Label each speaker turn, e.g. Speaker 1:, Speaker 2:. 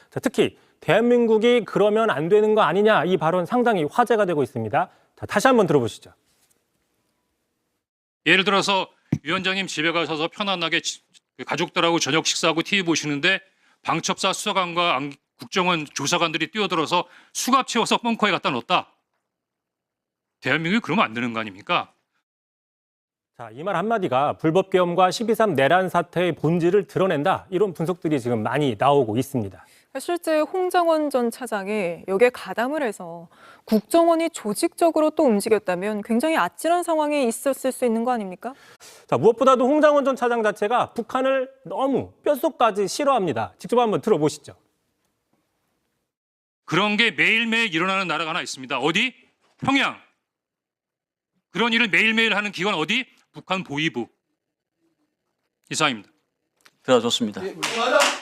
Speaker 1: 자, 특히 대한민국이 그러면 안 되는 거 아니냐 이 발언 상당히 화제가 되고 있습니다. 자, 다시 한번 들어보시죠.
Speaker 2: 예를 들어서 위원장님 집에 가셔서 편안하게 가족들하고 저녁 식사하고 TV 보시는데 방첩사 수사관과 국정원 조사관들이 뛰어들어서 수갑 채워서 벙커에 갖다 넣었다. 대한민국이 그러면 안 되는 거 아닙니까?
Speaker 1: 자, 이 말 한마디가 불법계엄과 12.3 내란 사태의 본질을 드러낸다. 이런 분석들이 지금 많이 나오고 있습니다.
Speaker 3: 실제 홍장원 전 차장이 여기에 가담을 해서 국정원이 조직적으로 또 움직였다면 굉장히 아찔한 상황이 있었을 수 있는 거 아닙니까?
Speaker 1: 자, 무엇보다도 홍장원 전 차장 자체가 북한을 너무 뼛속까지 싫어합니다. 직접 한번 들어보시죠.
Speaker 2: 그런 게 매일매일 일어나는 나라가 하나 있습니다. 어디? 평양. 그런 일을 매일매일 하는 기관 어디? 북한 보위부. 이상입니다.
Speaker 4: 들어줬습니다.
Speaker 5: 맞아.